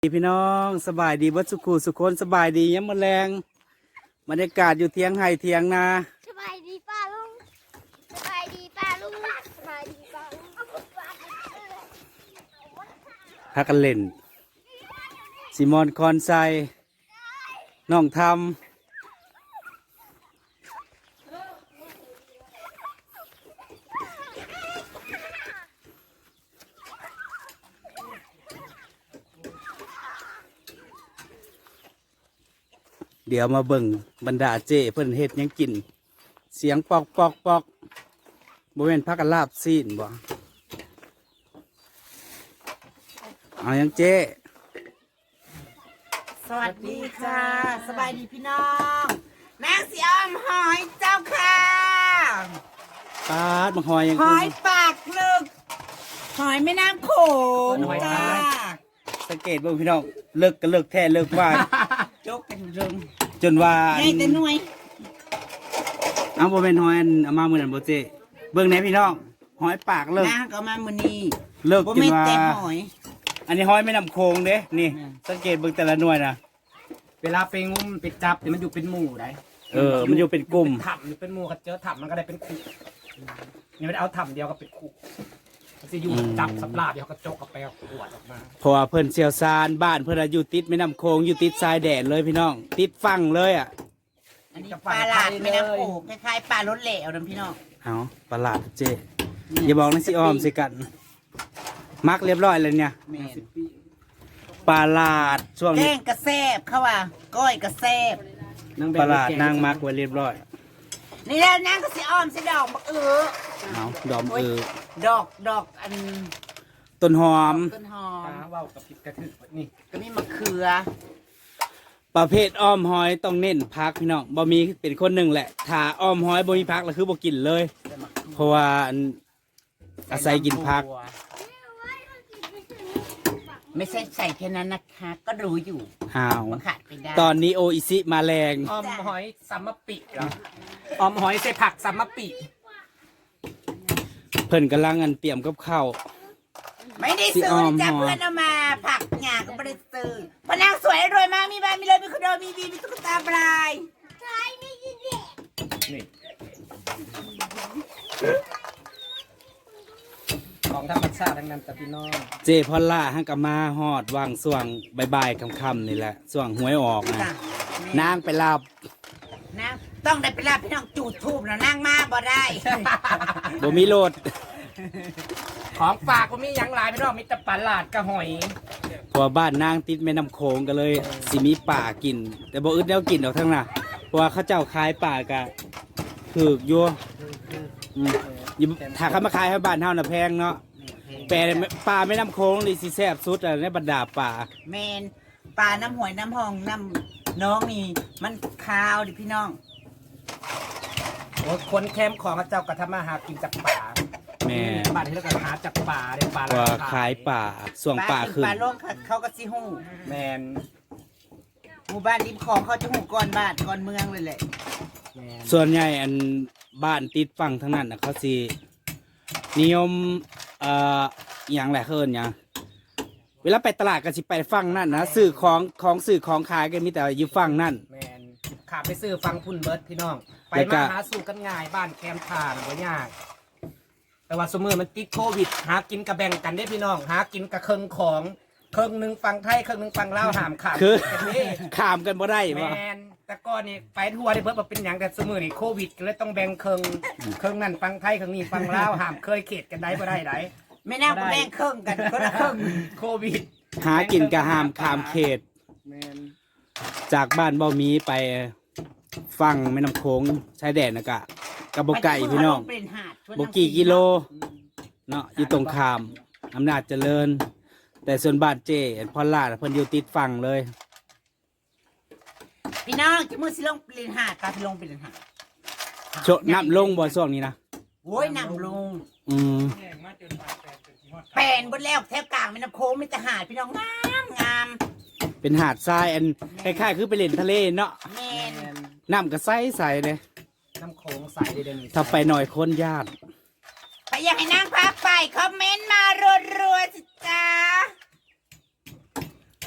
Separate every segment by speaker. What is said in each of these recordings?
Speaker 1: พี่น้องสบายดีเบิดสุขุสุคนสบายดียามมื้อแลงบรรยากาศอยู่เทียงไห่เทียงนา
Speaker 2: สบายดีป้าลุงสบายดีป้าลุงสบายดีป้าลุง
Speaker 1: พากันเล่นซิมอนคอนไซน้องทำเดี๋ยวมาเบิ่งบรรดาเจ้เพิ่นเฮ็ดหยังกินเสียงปอกปอกปอกบ่แม่นพักกันลาบซีนบ่เอาหยังเจ้
Speaker 3: สวัสดีค่ะ สบายดีพี่น้องนางสีอ้อมหอยเจ้าค่ะ
Speaker 1: ปาดบักหอยหยัง
Speaker 3: หอยปากลึก หอยแม่น้ำโขงจ้า
Speaker 1: สังเกตเบิ่งพี่น้องเลิกก็เลิกแท้เลิกว่า
Speaker 3: จกกันเริง
Speaker 1: จนว่า
Speaker 3: ใหญ่แต่หน่วย
Speaker 1: เอาบ่แม่นหอยอันเอามามื้อนั้นบ่เจ้เบิ่งแหน่พี่น้องหอยปากเลิก
Speaker 3: นางก็มามื้อนี้
Speaker 1: เลิก
Speaker 3: บ่
Speaker 1: จน
Speaker 3: แม่น
Speaker 1: ว่า
Speaker 3: แต่หอย
Speaker 1: อันนี้หอยแม่น้ำโขงเด้นี่ สังเกตเบิ่งแต่ละหน่วยนะ
Speaker 4: เวลาไปงุ้มไปจับเนี่ยมันอยู่เป็นหมู่ได้
Speaker 1: มันอยู่เป็นกลุ่ม
Speaker 4: ถับอยู่เป็นหมู่กับเจอถับมันก็ได้เป็นคู่นี่มันเอาถับเดียวก็เป็นคู่มันจะอยู่จับสับลาบเดียวก็จกกับแปลขวดออกมา
Speaker 1: เพราะว่าเพิ่นเชี่ยวชาญบ้านเพิ่นอะอยู่ติดแม่น้ำโขงอยู่ติดชายแดนเลยพี่น้อง ติดฝั่งเลยอ่ะ
Speaker 3: อันนี้ปลาหลาดแม่น้ำโขงคล้ายๆปลารสเหลวนะพี่น้อง
Speaker 1: เอาประหลาดเจ้อย่าบอกนะสิอ้อมสิกัน มักเรียบร้อยเลยเนี่ย
Speaker 3: แม่น
Speaker 1: ปลาหลาดช่วง
Speaker 3: แก
Speaker 1: นี้
Speaker 3: งกระแซบเขาว่าก้อยกระแซบ
Speaker 1: ปลาหลาดนางมักไว้เรียบร้อย
Speaker 3: นี่แล้วนางก็สิอ้อมสิดอกบัก
Speaker 1: เอาดอม
Speaker 3: ดอกอัน
Speaker 1: ต้นหอม
Speaker 3: ต้นหอม
Speaker 4: ว่าวกับพริกกระทึกนี่
Speaker 3: ก็มีมะเขือ
Speaker 1: ประเภทอ้อมหอยต้องเน้นพักพี่น้องบ่มีเป็นคนหนึ่งแหละถ้าอ้อมหอยบ่มีพักแล้วคือบ่กินเลย เพราะว่าอาศัยกินพัก
Speaker 3: ไม่ใช่ใส่แค่นั้นนะคะ ก็รู้อยู่
Speaker 1: อ้าว
Speaker 3: ว่าขาดไปได้
Speaker 1: ตอนนี้โออิซิมาแรง
Speaker 4: ออมหอยซัมมะปิเหรอออมหอยใส่ผักซัมมะปิ
Speaker 1: เพิ่นกำลังเตรียมกับข้าว
Speaker 3: ไม่ได้ซื้อนะจ้ะเพื่อนเอามาผักหยาก็ไม่ได้ซื้อพอนางสวยรวยมากมีบ้านมีรถมีคอนโดมีวีมีตุ๊กตาปลาย
Speaker 4: นี่ของธรรมชาติทั้งนั้นจ้ะพี่น้อง
Speaker 1: เจพอลล่าฮังกะมาฮอดวางส่วงบ่ายๆค่ำๆนี่แหละส่วงหวยออกนะ
Speaker 3: จ้ะ
Speaker 1: นางไปรับ
Speaker 3: นางต้องได้ไปรับพี่น้องจูดทูบนะนางมาบ่ได้
Speaker 1: บ่มีโลด
Speaker 4: ของฝากก็มีหยังหลายพี่น้องมีแต่ปลาหลาดกับหอย
Speaker 1: เพราะว่าบ้านนางติดแม่น้ำโขงก็เลยสิมีป่ากิน แต่บ่อึดแนวกินดอกทั้งน่ะเพราะว่าเขาเจ้าขายป่ากะถูกอยู่อยู่ถ้าเขามาขายให้บ้านเฮาน่ะแพงเนาะแต่ปลาแม่น้ำโขงนี่สิแซ่บสุดอะในบรรดาป่า
Speaker 3: แมนปลาน้ำหวยน้ำหองน้ำน้องนี่มันคาวดิพี่น้อง
Speaker 4: โอ้ยคนแคมป์ของเจ้าก็ทำมาหากินจากป่า
Speaker 1: แม่
Speaker 4: บ้านที่เราก็หาจากป่าเลยป่า
Speaker 1: ว่าขายป่าส่วงป่าขึ้น
Speaker 3: ปลาโลกเขาก็สิหู้
Speaker 4: แมน
Speaker 3: หมู่บ้านริมคลองเขาจะหูก่อนบ้านก่อนเมืองเลยแหละ
Speaker 4: แมน
Speaker 1: ส่วนใหญ่บ้านติดฝั่งทั้งนั้นนะเขาสินิยมอหย่างไรเคินอย่างเวลาไปตลาดก็สิไปฝั่งนั่นนะซื้อของซื้อของขายกันมีแต่อยู่ฝั่งนั่น
Speaker 4: แมนขาไปซื้อฟังพุ่นเบิร์ดพี่น้อง ไป
Speaker 1: แล้วก็
Speaker 4: มาหาสู่กันง่ายบ้านแคมป์ทานบ่ยาก แต่ว่าสมมือมันติดโควิด หากินกระแบ่งกันได้พี่น้อง หากินกระเคิงของเคิงหนึ่งฟังไทยเคิงหนึ่งฟังลาวหามขาด
Speaker 1: คือ
Speaker 4: กันนี่
Speaker 1: ข้ามกันบ่ได้
Speaker 4: แม
Speaker 1: บ่
Speaker 4: นแต่ก่อนนี่ไปทัวร์ได้เบิร์ดมาเป็นอย่างแต่สมมือนี่โควิดก็เลยต้องแบ่งเคิงเคิงนั่นฟังไทยเคิงนี่ฟังลาวหามเคยเขตกันได้บ่ได้ได
Speaker 3: ไม่น่าก็แบ่งครึ่งกันคนละครึ่ง
Speaker 4: โควิด
Speaker 1: หากินกะหามข้ามเขต
Speaker 4: แมน
Speaker 1: จากบ้านเบ้ามีไปฝั่งแม่น้ำโขงชายแดนนะกะกับบ่ไก่พี่น้อง
Speaker 3: เป็นหาดชวน
Speaker 1: บ่กี่กิโลเนาะอยู่ตรงข้ามอำนาจเจริญ แต่ส่วนบ้านเจพอลล่าน่ะเพิ่นอยู่ติดฝั่งเลย
Speaker 3: พี่น้องจะมือสิลงเป็นหาดตาพี่ลงเป็นหาด
Speaker 1: น้ำลงบ่ช่วงนี้นะ
Speaker 3: โว้ยนำลง
Speaker 1: อืม
Speaker 3: แปลนบนแล้วแทบกลางแม่น้ำโค้งมีแต่หาดพี่น้องงามงาม
Speaker 1: เป็นหาดทรายคล้ายๆคือไปเล่นทะเลเนาะ
Speaker 3: แมน
Speaker 4: แมน
Speaker 1: น้ำก็ใสๆเลย
Speaker 4: น้ำโขงใสเด่นๆ
Speaker 1: ถ้าไปหน่อยคนญาติ
Speaker 3: ไปอยากให้นางพาไปคอมเมนต์มารัวๆสิจ้า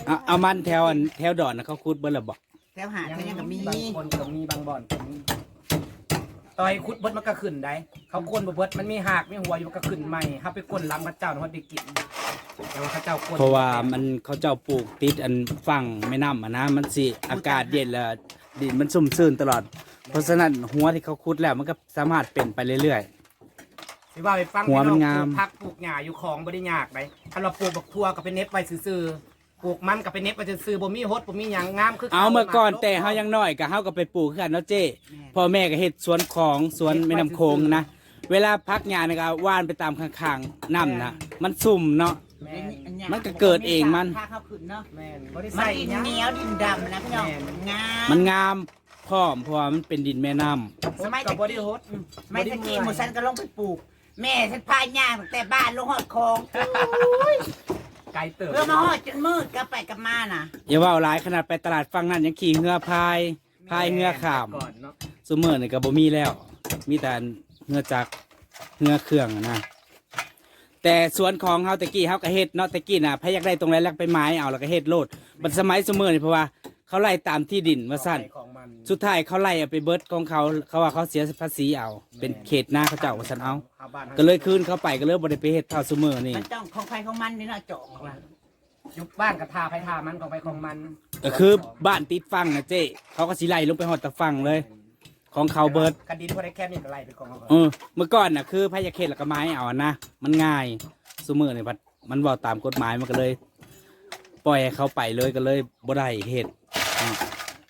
Speaker 1: เอามันแถวดอนนะเขาคุดเบิ่ละบ่
Speaker 3: แถวหาดเขายังก็มี
Speaker 4: บางคนก็มีบางบ่อนก็มีต่อยคุดเบิดมันก็ขึ้นได้เขาคนบ่เบิดมันมีหากมีหัวอยู่ก็ขึ้นใหม่เฮาไปก้นลำพระเจ้าเขาได้กินแต่ว่าพระเจ้าก้น
Speaker 1: เพราะว่ามันเขาเจ้าปลูกติดอันฝั่งแม่น้ำอ่ะนะมันสิอากาศเย็นแล้วดินมันซุ่มซื่นตลอด เพราะฉะนั้นหัวที่เขาคุดแล้วมันก็สามารถเป็นไปเรื่อย
Speaker 4: สิว่าไปฟัง
Speaker 1: หัวมันงาม
Speaker 4: ปลูกผักปลูกหญ้าอยู่ของบ่ได้ยากไดถ้าเราปลูกบักทั่วก็เป็นเน็บไว้ซื่อๆปลูกมันก็เป็นเน็บไว้ซื่อๆบ่มีฮดบ่มีหยังงามคือ
Speaker 1: ๆเอาเมื่อก่อนแต่เฮายังน้อยก็เฮาก็ไปปลูกคือกันเนาะเจ้พ่อแม่ก็เฮ็ดสวนของสวนแม่น้ำโขงนะเวลาพักหญ้านี่ก็ว่านไปตามข้างๆน้ำนะมันซุ่มเนาะ
Speaker 4: แม่น
Speaker 1: มันก็เกิดเองมัน
Speaker 3: ถ้าเขาขึ้นเนาะ
Speaker 4: แม่นบ่ได้
Speaker 3: มัน
Speaker 4: ใส่
Speaker 3: ดิน
Speaker 4: หยัง
Speaker 3: เหนียวดินดำนะพี่น้องงาม
Speaker 1: มันงามพร้อมเพราะว่ามันเป็นดินแม่น้ำ
Speaker 3: สมัย
Speaker 4: ก็
Speaker 3: ตะ
Speaker 4: บ่ได้
Speaker 3: กี้
Speaker 4: ฮด
Speaker 3: สมัยตะกี้หมูสันก็ลงไปปลูก แม่ฉันพาย่างตั้งแต่บ้านลงหอดคลอง
Speaker 4: ไกลเติบ
Speaker 3: เพื่อมาหอดจนมืดก็ไปกับมาน่ะ
Speaker 1: อย่าว่าหลายขนาดไปตลาดฝั่งนั้นยังขี่เรือพายเรือข้าม
Speaker 4: ก่อนเนาะ
Speaker 1: ซุมื้อนี่ก็บ่มีแล้ว มีแต่เรือจักรเรือเครื่องนะแต่สวนของเฮาตะกี้เฮาก็เฮ็ดเนาะตะกี้น่ะพะอยากได้ตรงไหนแล้วไปไม้เอาแล้วก็เฮ็ดโลดบัดสมัยซุมื้อนี่เพราะว่าเขาไล่ตามที่ดินว่าซั่น
Speaker 4: ของมัน
Speaker 1: สุดท้ายเขาไล่เอาไปเบิดของเขาว่าเขาเสียภาษีเอา เป็นเขตหน้าเขาเจ้าว่าซั่นเอา
Speaker 4: ชาวบ้าน
Speaker 1: ก็เลยคืนเขาไปก็เลยบ่ได้ไปเฮ็ดเท่าซุมื้อนี่
Speaker 3: มันต้องของใครของมันนี่เนาะเจาะของมัน
Speaker 4: ยุบบ้านกับทาไปทามันของไปของมัน
Speaker 1: ก็คือบ้านติดฟังนะเจ้เขาก็สิไล่ลงไปฮอดตะฟังเลย ของเขาเบิด
Speaker 4: คดีที่พอได้แค่นี้ก็ไล่เป็นของเขาก่อน
Speaker 1: เมื่อก่อนน่ะคือพายาเขตแล้วก็ไม้เอาอะนะมันง่ายซุมื้อนี่พัดมันบ่ตามกฎหมายมันก็เลย ปล่อยให้เขาไปเลยก็เลยบ่ได้เฮ็ดอืม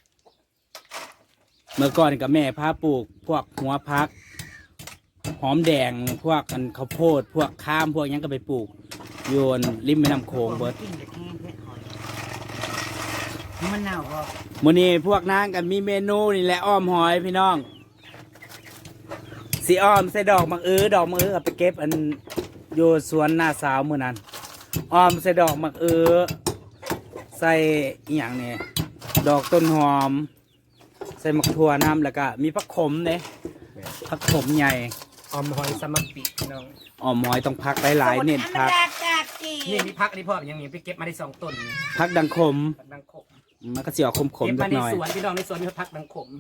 Speaker 1: เมื่อก่อนกับแม่พาปลูกพวกหัวพัก หอมแดงพวกอันข้าวโพดพวกข้ามพวกหยังก็ไปปลูกโยนริมแม่น้ำโขงเบิด
Speaker 3: กินแต่แห้งแค่หอยมันเน่าบ่
Speaker 1: มื้อนี้พวกนางกันมีเมนูนี่แหละอ้อมหอยพี่น้องสิอ้อมใส่ดอกมักดอกมักเอาไปเก็บอันอยู่สวนหน้าสาวมื้อนั้นอ้อมใส่ดอกมักใส่อีหยังนี่ดอกต้นหอม ใส่มักถั่วน้ำแล้วก็มีผักขมเด้ผักขมใหญ่
Speaker 4: ออมหอยสมัครปีพี่น้อง
Speaker 1: อ้อมหอยต้องพักหลายๆเน้นพัก
Speaker 3: ธรรมดาจากจี
Speaker 4: นี่มีพักอันนี้พ่อยังมีไปเก็บมาได้2ต้นนี่
Speaker 1: พักดังขม
Speaker 4: พักดังขม
Speaker 1: มันก็สิออกขม
Speaker 4: เก็บ
Speaker 1: ๆจั
Speaker 4: มาก ใน
Speaker 1: หน่อย
Speaker 4: สวนพี่น้องในสวนมีพักดังขม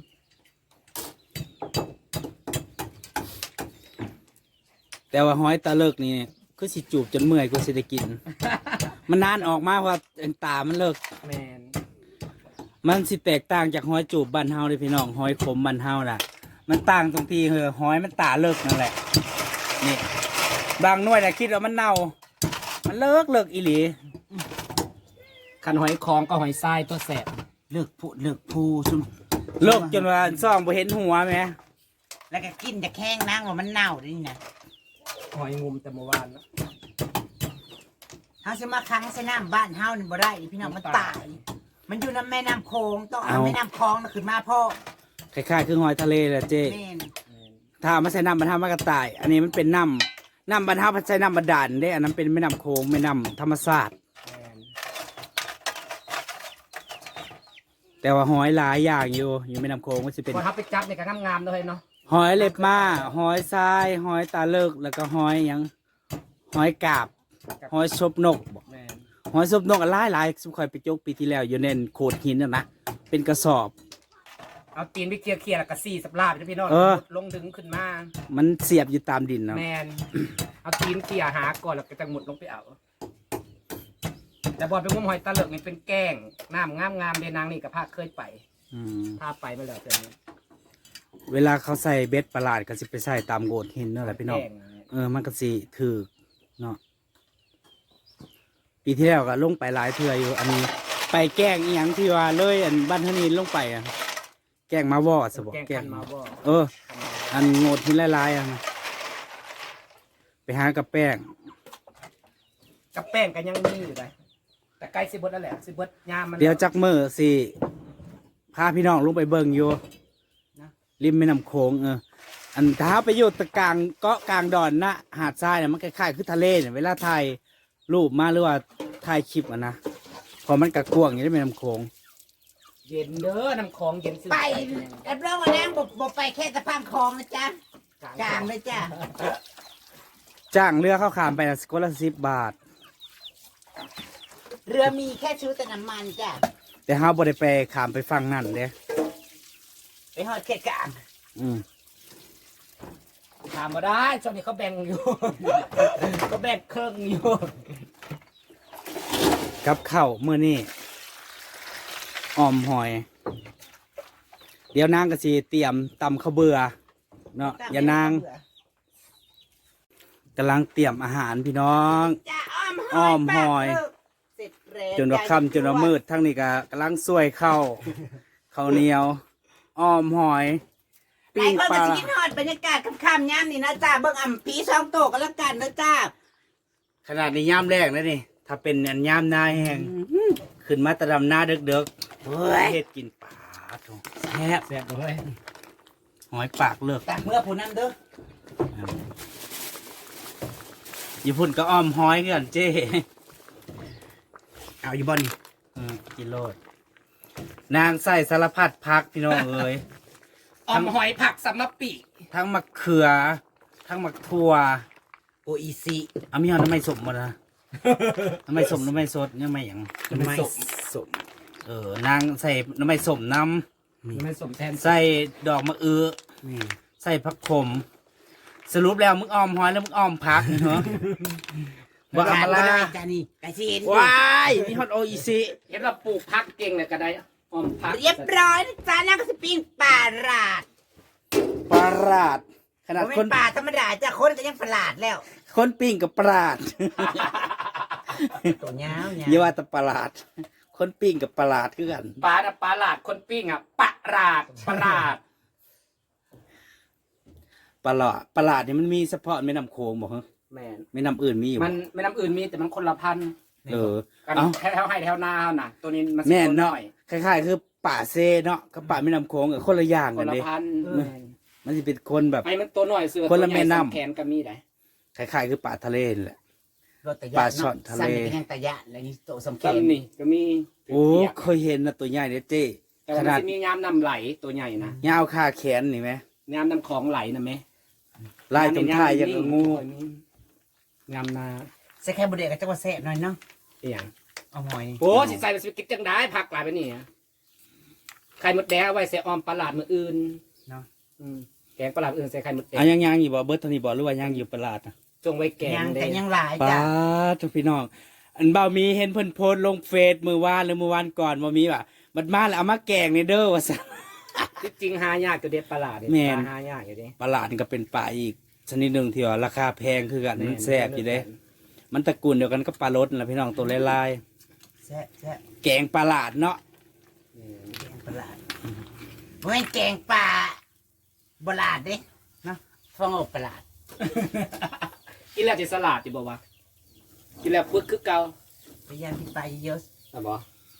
Speaker 1: แต่ว่าหอยตาเลิกนี่คือสิจูบจนเมื่อยกูสิได้กิน มันนานออกมาเพราะว่าตามันเลิก
Speaker 4: แมน
Speaker 1: มันสิแตกต่างจากหอยจูบบ้านเฮาเลยพี่น้องหอยขมบ้านเฮาน่ะ มันต่างตรงที่หอยมันตาเลิกนั่นแหละนี่บางหน่วยน่ะคิดว่ามันเน่า มันเลิกอีหลี
Speaker 4: คันหอยคองก็หอยทรายตัวแสบ
Speaker 3: เลิกพูเลิกพูซุม
Speaker 1: เลิกจนว่าซ่องบ่เห็นหัวแหม
Speaker 3: แล้วก็กินแต่แข้งนั่งว่ามันเน่าดินะ
Speaker 4: หอยงุมแต่เมื่อวานเนาะ
Speaker 3: เฮาสิมาค้างใส่น้ำบ้านเฮานี่บ่ได้ดิพี่น้องมันตาย มันอยู่น้ำแม่น้ำโขงต้องเอาแม่น้ำคลองน่ะขึ้นมาพ่อ
Speaker 1: คล้ายๆคือหอยทะเลแหละเจ้
Speaker 3: แม่น
Speaker 1: ถ้าเอามาใส่น้ำบรรทัดมันก็ตาย อันนี้มันเป็นน้ำบรรทัดใส่น้ำบาดาลเด้อันนั้นเป็นแม่น้ำโขงแม่น้ำธรรมชาติ
Speaker 4: แมน
Speaker 1: แต่ว่าหอยหลายอย่างอยู่แม่น้ำโขงมันจะเป็น
Speaker 4: พอทับไปจับเนี่ยก็งามๆเลยเนาะ
Speaker 1: หอยเล็บม้าหอยทรายหอยตาเลิกแล้วก็หอยหยังหอยกาบหอยซบนกบ่
Speaker 4: แมน
Speaker 1: หอยซบนกหลายสุขอยไปจกปีที่แล้วอยู่ในโขดหินน่ะนะเป็นกระสอบ
Speaker 4: เอาตีนไปเคลียร์แล้วก็ซี่สับลาบจ้ะพี่น้อง
Speaker 1: เออ
Speaker 4: ลงดึงขึ้นมา
Speaker 1: มันเสียบอยู่ตามดินเนาะ
Speaker 4: แมนเอาตีนเคลียร์หาก่อนแล้วก็จะหมุดลงไปเอา แต่บอลเป็นงมหอยตะเลิกนี่เป็นแกล้งน้ำงามๆเดนางนี่กับภาคเคยไป
Speaker 1: อืม
Speaker 4: พาไปมาแล้วเดือนนี้
Speaker 1: เวลาเขาใส่เบ็ดประหลาดก็สิไปใส่ตามโขดหินนั่นแหละพี่น้อง
Speaker 4: แกล้งะ
Speaker 1: มันก็สิถือเนาะปีที่แล้วก็ลงไปหลายเทื่ออยู่ อันนี้ ไปแกล้งอีหยังที่ว่าเลยอันบ้านทนีลงไปอ่ะแกล้งมาวอสบอก
Speaker 4: แกล้ง
Speaker 1: แกล้
Speaker 4: คั
Speaker 1: ง
Speaker 4: นมาบ่
Speaker 1: อันโงดหินหลายๆอ่ะนะไปหากับแป้ง
Speaker 4: กับแป้งกันยังมีอยู่เลยแต่ใกล้สิเบดแล้วแหละสิเบดยามมัน
Speaker 1: เดี๋ยวจักมือสิพาพี่น้องลงไปเบิ่งอยู่ริมแม่น้ำโขงอันถ้าไปอยู่ตะกลางเกาะกลางดอนนะหาดทรายเนี่ยมันคล้ายๆคือทะเลเนี่ยเวลาถ่ายรูปมาหรือว่าถ่ายคลิปอ่ะนะพอมันกระกวางอย่างนี้แม่น้ำโขง
Speaker 4: เย็นเด้อน้ำของเย็นซื้อ
Speaker 3: ไปรับรองว่านั่งบ่ไปแค่สะพานคลองนะจ๊ะกลางเลยจ้ะ
Speaker 1: จ้างเรือเข้าขามไปนะคนละ10 บาท
Speaker 3: เรือมีแค่ชุดแต่น้ำมันจ้ะ
Speaker 1: แต่เฮาบ่ได้ไปข้ามไปฝั่งนั่นเด้
Speaker 3: ไปหอดเขตกลาง
Speaker 1: อืม
Speaker 4: ถามมาได้ช่วงนี้เขาแบ่งอยู่ เขาแบ่งเครื่องอยู่
Speaker 1: กับข้าวมื้อนี้อ้อมหอย เดี๋ยวนางก็สิเตรียมตำข้าวเบื่อเนาะอย่านางกำลังเตรียมอาหารพี่น้อง
Speaker 3: จ้ะอ้อม
Speaker 1: อ้อมหอย
Speaker 3: เสร็จแล้ว
Speaker 1: จนว่าค่ำจนว่ามืดทั้งนี้ก็กำลังซวยข้าวข้าวเหนียว อ้อมหอย
Speaker 3: หลา
Speaker 1: ปิ้
Speaker 3: ย
Speaker 1: ง
Speaker 3: คน
Speaker 1: ป
Speaker 3: ก็
Speaker 1: ลา
Speaker 3: สิคิดฮอดบรรยากาศค่ำๆย่ำนี่นะจ้าเบิ่งอ่ำปี2โตกันแล้วกันนะจ้า
Speaker 1: ขนาดนี้ย่ามแรกนะนี่ถ้าเป็นอันย่ามหน้าแห้งขึ้นมาแตะดำหน้าเด็ก
Speaker 3: เฮ้ย
Speaker 1: ๆเฮ็ดกินปลาโถแซ่บ
Speaker 4: แซ่บเลย
Speaker 1: หอยปากเลือก
Speaker 3: ตักเมื่อผู้นั้นเด้อ
Speaker 1: ญี่ปุ่นก็อ้อมหอยกันเจ้เอาอยู่บ่นี่กินโลดนางใส่สารพัดพักพี่น้องเอ้ย
Speaker 4: ออมหอยผักสัมมะปี
Speaker 1: ทั้งมะเขือ ทั้งมะทั่ว
Speaker 3: โออีซี
Speaker 1: เอามีเอาน้ำไม่สมมาละน้ำไม่สมน้ำไม่สดยังไม่หยัง
Speaker 4: น้ำไม่สม
Speaker 1: นางใส่น้ำไม่สมน้
Speaker 4: ไม่สมแทน
Speaker 1: ำใส่ดอกมะอื้อนี่ใส่ผักขม สรุปแล้วมึงอ้อมหอยแล้วมึงอ้อมผักเหรอบ่เอามา
Speaker 3: ละ
Speaker 1: ละ
Speaker 3: จ้านี่กะสิเห็น
Speaker 1: ว้ายมีฮอตโออีซี
Speaker 4: เห็นเราปลูกผักเก่งเลยก็ได้ออมผัก
Speaker 3: เรียบร้อยนะจ้านั่งก็สิปิ้งปลาราด
Speaker 1: ปลาราดขนาด
Speaker 3: บ่
Speaker 1: ค
Speaker 3: เป็น นปลาธรรมดาจ้าคนก็ยังประหลาดแล้ว
Speaker 1: คนปิ้งกับปลาด
Speaker 3: ตัวยาว
Speaker 1: อย่าว่าแต่ปลาด คนปิ้งกับปลาดคือกัน
Speaker 4: ปลาปลาหลาดคนปิ้งอ่ะปลาหลาดปลาหลาด
Speaker 1: ปลาดเนี่ยมันมีเฉพาะแม่น้ำโขงบอกเหรอ
Speaker 4: แม่น
Speaker 1: แม่น้ำอื่นมีอยู่
Speaker 4: มันไม่น้ำอื่นมีแต่มันคนละพันธุ์
Speaker 1: เออ
Speaker 4: กัน
Speaker 1: เอ้า
Speaker 4: แถวให้แถวนาเฮาน่ะ ตัวนี้มัน
Speaker 1: แม่น
Speaker 4: ตัว
Speaker 1: เนาะ
Speaker 4: อย
Speaker 1: คล้ายๆคือป่าเซเนาะกับป่าแม่น้ำโขงกับคนละอย่าง
Speaker 4: ค
Speaker 1: กัน
Speaker 4: นละ
Speaker 1: เด้
Speaker 4: พันธุ์
Speaker 1: มันจะเป็นคนแบบ
Speaker 4: ไอ้มันตัวน้อยเสือ
Speaker 1: คนละ
Speaker 4: ตัวใหญ่
Speaker 1: แม่น้ำ
Speaker 4: สองแขนก็มีได้
Speaker 1: คล้ายๆคือป่าทะเลนี่แหละ
Speaker 3: รถตะยะ
Speaker 1: ปลาช่อนทะเล
Speaker 3: สั่นไปแห้งตะยะแล้วนี่โตสำ
Speaker 4: ต้
Speaker 3: คัญ
Speaker 4: นนี่ก็มี
Speaker 1: โอ้
Speaker 4: เปียก
Speaker 1: เคยเห็นนะตัวใหญ่เนี่ยเจ้
Speaker 4: แต่
Speaker 1: ข
Speaker 4: ว่า
Speaker 1: นา
Speaker 4: มัน
Speaker 1: ด
Speaker 4: จะมียามน้ำไหลตัวใหญ่นะ
Speaker 1: ยาวคาแขนนี่ไหม
Speaker 4: ยามน้ำของไหลนะแม่
Speaker 1: ลายตรงท้ายอย่างกับงู
Speaker 4: ยามนา
Speaker 3: ใส่แค่บุเดกกับจังหวัดแซ่บหน่อยเนาะ
Speaker 4: เอียง
Speaker 3: เอาหอย
Speaker 4: โอ้สิใส่ไปสิกินจังได้ผักหลายไปนี่อะไข่มดแดงเอาไว้ใส่ออมปลาหลาดมืออื่น
Speaker 3: เนาะ
Speaker 4: อืมแกงปลาหลาดอื่นใส่ไข่มดแดง
Speaker 1: อ่ะยังอยู่บ่เบิร์ตทานี่บ่หรือว่ายังอยู่ปลาดนะ
Speaker 4: จงไว้แกง
Speaker 3: ยัง
Speaker 4: เด้
Speaker 3: แต่ยังหลาย
Speaker 1: ป้า
Speaker 3: จ้ะ
Speaker 1: ทุกพี่น้อง อันเบามีเห็นเพิ่นโพสต์ลงเฟซมือวานหรือมือวานก่อนบ่มีว่ะมันมาแล้วเอามาแกงในเด้อว่าซั่น
Speaker 4: ที่จริงหายากอยู่เด็ดปลาหลาดเด็ด
Speaker 1: แม่น
Speaker 4: หายากอยู่เด้
Speaker 1: ปลาหลาดนี่ก็เป็นปลาอีกชนิดหนึ่งที่ว่าราคาแพงคือกันมันแซ่บอยู่เด้ มันตระกูลเดียวกันก็ปลารสนั่นแหละพี่น้องตัวลาย
Speaker 3: แซ่บแซ่บ
Speaker 1: ๆแกงปลาหลาดเนาะ
Speaker 3: แกงปลาร้าดบ่แม่นแกงปลาบลาดเด้เนาะฟองอบปลาร้าด
Speaker 4: กินแล้วจะสลัดจะบอกว่ากินแล้วปึ๊กคือเก่า
Speaker 3: พยายามที่ปลาเยอะ
Speaker 4: อ่ะบอก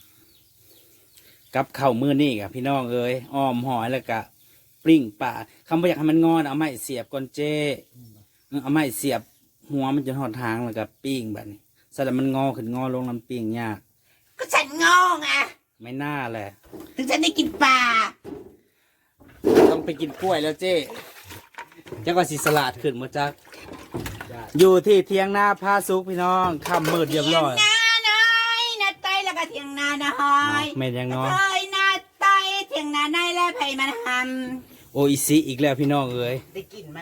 Speaker 1: กับข้าวมื้อนี้กับพี่น้องเอ้ยอ้อมหอยแล้วก็ปลิ้งปลาคำว่าอยากให้มันงอนเอาไม้เสียบก่อนเจ้เอาไม้เสียบหัวมันจะหอดทางแล้วก็ปิ้งแบบนี้สลับมันงอขึ้นงอลงลำปิ้งยาก
Speaker 3: ๆก็ฉันงอไง
Speaker 1: ไม่น่าแหละ
Speaker 3: ถึงฉันได้กินปลา
Speaker 1: ต้องไปกินกล้วยแล้วเจ้จังว่าสิสลัดขึ้นมาจักอยู่ที่เทียงนาพาสุกพี่น้องค่ำมืดเรียบร้อย
Speaker 3: เถียงนาน้อยนาไตแล้วก็เถียงนาน้อย
Speaker 1: แม่นยังเนาะ
Speaker 3: เอ้ยนาไตเถียงนาในและไผมันท
Speaker 1: โออิซิอีกแล้วพี่น้องเอ้ย
Speaker 3: ำได้กินมัน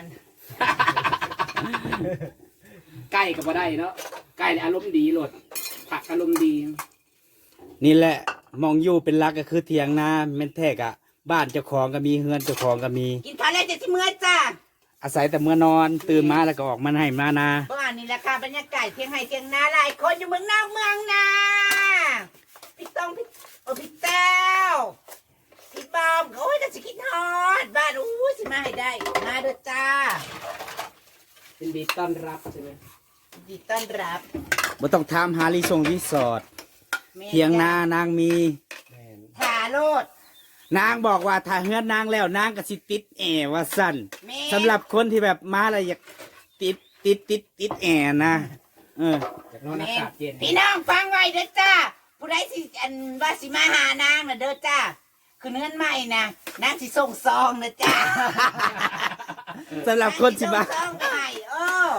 Speaker 4: ใกล้กับว่าได้เนาะใกล้อารมณ์ดีโหลดผักอารมณ์ดี
Speaker 1: นี่แหละมองอยู่เป็นหลักก็คือเทียงนาแม่นแท้กะบ้านเจ้าของก็มีเฮือนเจ้าของก็มี
Speaker 3: กินข้าวแล้วจะที่เมื่อจ้า
Speaker 1: อาศัยแต่เมื่อนอนตื่นมาแล้วก็ออกมาให้มานา
Speaker 3: บ้านนี่แหละค่ะบรรยากาศเทียงไห้เทียงนาหลายคนอยู่เมืองนอกเมืองนาพี่ต้องพี่แต้วพี่บอมโอ้ยจะสิคิดฮอดบ้านอู้สิมาให้ได้มาเด้อจ้า
Speaker 4: เป็นดีต้อนรับใช่ไหม
Speaker 3: ยินดีต้อนรับ
Speaker 1: บ่ต้องถามหารีสอร์ท
Speaker 3: แม่
Speaker 1: เทียงนานางมี
Speaker 4: แม่น
Speaker 3: ถาโลด
Speaker 1: นางบอกว่าถ้าเฮือนนางแล้วนางก็สิติดแอร์ว่าสั่น
Speaker 3: แม่
Speaker 1: สำหรับคนที่แบบมาแล้วอยากติดแอร์นะเออ
Speaker 4: จากนอนอากาศเย็น
Speaker 3: พี่น้องฟังไว้เด้อจ้าผู้ใดสิอันว่าสิมาหานางน่ะเด้อจ้าคือเนื้อนใหม่นะนางสิส่งซองนะจ้า
Speaker 1: สำหรับคนสิมา
Speaker 3: ส่งซองไป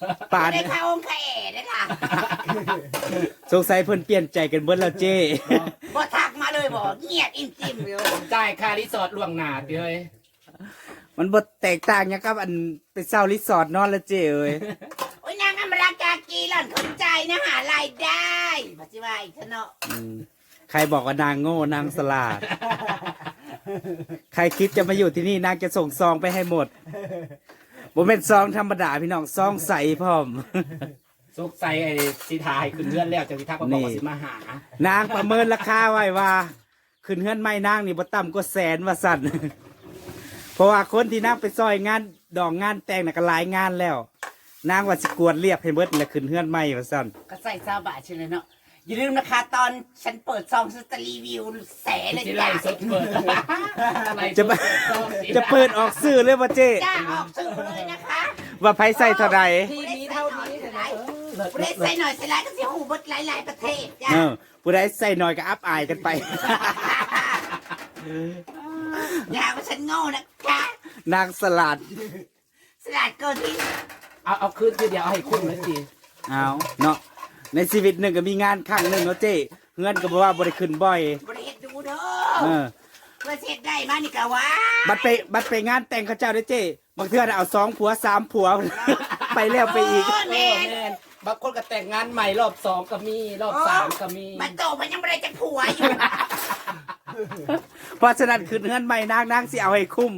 Speaker 1: ป่าน
Speaker 3: ได้เข้าองค์แขได้ค่ะ
Speaker 1: สงสัยเพิ่นเปลี่ยนใจกันเบิดแล้วเจ้
Speaker 3: บ่ทักมาเลยบ่เงียบอิ่มจิ้มเลย
Speaker 4: จ่ายค่ารีสอร์ทล่วงหน้าติเอ้ย
Speaker 1: มันบ่แตกต่างหยังกับอันไปเช่ารีสอร์ทนอนแล้วเจ้เอ้ย
Speaker 3: โอ้ยนางอมรากากีหล่อนเข้าใจนะหารายได้ปัจจุบันอีกเนาะ
Speaker 1: อืมใครบอกว่านางโง่นางสลาด ใครคิดจะมาอยู่ที่นี่นางจะส่งซองไปให้หมดบ่แม่นซองธรรมดาพี่น้องซองใสพร้อม
Speaker 4: สุกใส่ไอ้สิทายขึ้นเรือนแล้วจังสิทักมาบอกว่าสิมาหา
Speaker 1: นางประเมินราคาไว้ว่า ขึ้นเฮือนไม่นางนี่บ่ต่ำกว่าแสนว่าสั่น เพราะว่าคนที่นางไปซอยงานดองงานแต่งน่ะก็หลายงานแล้ว นางว่าสิกวดเรียบให้เบิดแล้วขึ้นเฮือนไม่ว่าสั่น
Speaker 3: ก็ใส่ซาบะใช่เลยเนาะอย่าลืมนะคะตอนฉันเปิดซองฉันจะรีวิวแสเลย
Speaker 4: สิ
Speaker 3: จ้า
Speaker 4: ไล่สดเปิด
Speaker 1: จะมาจะเปิดออกสื่อเลยว่าเจ้
Speaker 3: จ้าออกสื่อเลยนะคะ
Speaker 1: ว่าไผใส่เท่าใด
Speaker 3: ทีนี้เท่านี้เท่าไหร่ประเทศใส่หน่อยใส่หลายก็เสียหูบดหลายๆประเทศจ้า
Speaker 1: เออผู้ใดใส่น้อยก็อับอายกันไป
Speaker 3: อย่าว่าฉันโง่นะคะ
Speaker 1: นางสลัด
Speaker 3: สลัดเกินที่
Speaker 4: เอาคืนทีเดียวเอาให้คุ้มเลยสิ
Speaker 1: เอาเนาะในชีวิตหนึ่งก็มีงานครั้งหนึ่งเนาะเจ้เงินก็บอกว่าบริขึ้นบ่อย
Speaker 3: ประเทศดูเด้
Speaker 1: เอ
Speaker 3: อ
Speaker 1: อ
Speaker 3: ประเทศได้มานี่กะว่า
Speaker 1: บัดไปงานแต่งเขาเจ้าได้อเจ้บางเทื่อน่ะเอา2 ผัว 3 ผัว ไปแล้วไปอีก
Speaker 3: โแม่
Speaker 4: แม่นบางคนก็แต่งงานใหม่รอบ2ก็มีรอบ3ก็มี
Speaker 3: มันโตมันยังไม่ได้จะผัวอยู่
Speaker 1: เพราะฉะนั้นขึ้นเงินใหม่นางสิเอาให้คุ้ม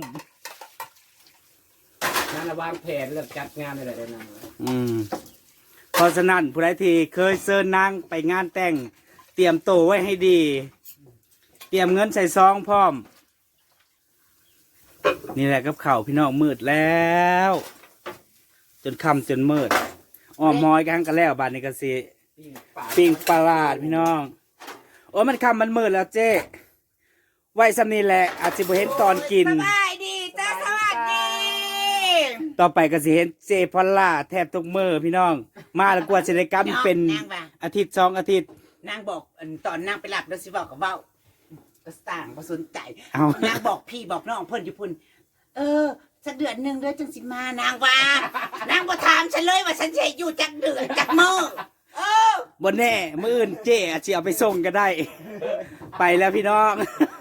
Speaker 4: นั่นน่ะวางแผนเรื่องจัดงานอะไรได้นั่น
Speaker 1: อืมเพราะฉะนั้นผู้ใดที่เคยเชิญนางไปงานแต่ง เตรียมโตวไว้ให้ดี เตรียมเงินใส่ซองพร้อม นี่แหละกับเข่าวพี่น้องมืดแล้ว จนค่ำจนมืดอ้อมมอยกันกันแล้วบานนี้ก็สิ ปิ้งปลาร้าดพี่น้อง โอ้มันค่ำมันมืดแล้วเจ๊ไว้สำนี้แหละอาจจะบ่เห็นตอนกิน
Speaker 3: สบายดีจ้าสวัสดี
Speaker 1: ต่อไปก็สิเห็นเจพอลล่าแทบทุกมือพี่น้อง มาแล้วกว่าจะได้กรรมเป็น
Speaker 3: นางว่า
Speaker 1: อาทิตย์2 อาทิตย์
Speaker 3: นางบอกตอนนางไปหลับแล้วสิบอกกับเว้าก็ต่างบ่สนใจ
Speaker 1: เอา
Speaker 3: นางบอกพี่บอกน้องเพิ่นอยู่พุ่นสักเดือนหนึ่งเด้อจังสิมานางว่านางบ่ถามฉันเลยว่าฉันจะอยู่จักเดือนจักมื้อเออ
Speaker 1: บนแน่มืออื่นเจ๊อาจจะเอาไปส่งก็ได้ ไปแล้วพี่น้อง